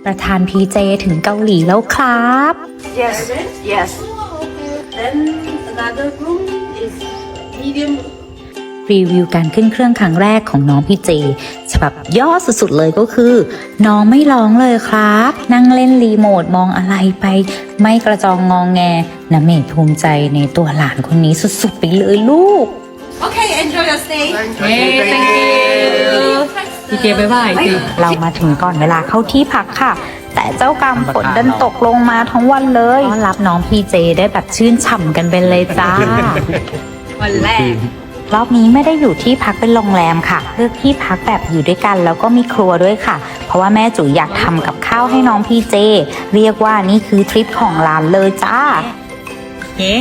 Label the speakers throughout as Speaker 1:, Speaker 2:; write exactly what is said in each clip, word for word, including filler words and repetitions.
Speaker 1: ประธานพีเจถึงเกาหลีแล้วครับ
Speaker 2: Yes, yes. Then another room is medium.
Speaker 1: รีวิวการขึ้นเครื่องครั้งแรกของน้องพีเจฉบับย่อสุดๆเลยก็คือ น้องไม่ร้องเลยครับ นั่งเล่นรีโมทมองอะไรไป ไม่กระจองงองแงนะเมย์ภูมิใจในตัวหลานคนนี้สุดๆไปเลยลูก
Speaker 2: Okay, enjoy your stay.
Speaker 3: เฮ้ย thank you พี่เจบ๊ายบายสิ
Speaker 1: เรามาถึงก่อนเวลาเข้าที่พักค่ะ แต่เจ้ากรรมฝนดันตกลงมาทั้งวันเลยต้อนรับน้องพีเจได้แบบชื่นฉ่ำกันไปเลยจ้า
Speaker 3: วันแรก
Speaker 1: รอบนี้ไม่ได้อยู่ที่พักเป็นโรงแรมค่ะเลือกที่พักแบบอยู่ด้วยกันแล้วก็มีครัวด้วยค่ะ เพราะว่าแม่จุ๋ยอยากทำกับข้าวให้น้องพีเจเรียกว่านี่คือทริปของร้านเลยจ้า
Speaker 3: เฮ้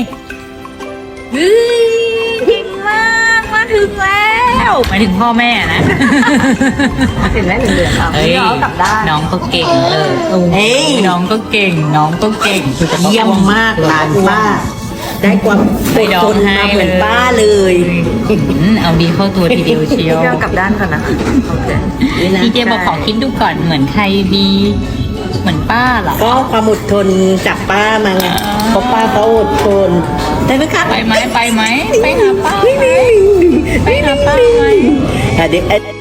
Speaker 3: ถึงมากมาถึงแล้วหมายถึงพ่อแม่นะ
Speaker 2: ถึงแล้วเหลืองๆอ่ะ
Speaker 3: เฮ้ย
Speaker 2: น้องกลับได้าน
Speaker 3: น้องก็เก่งเลย
Speaker 2: เฮ้ย
Speaker 3: น้องก็เก่ง น้องก็เก่ง
Speaker 4: เยี่ยมมากหลานป้า ได้ความอดทนมาเหมือนป้าเลย
Speaker 3: อืมเอาดีเข้าตัวทีเดียวเชียว
Speaker 2: พี่เอากลับด้านก่อนนะโอเค
Speaker 3: พี่เจบอกขอคิดดูก่อนเหมือนใครดี เหมือนป้าเหรอ
Speaker 4: ก็ความอดทนจากป้ามาไงเพราะป้าเขาอดทนได้ไหมคะ
Speaker 3: ไปไหมไปไหมไปหาป้าไหมไปหาป้าไหม
Speaker 4: อ่ะเดี๋ยว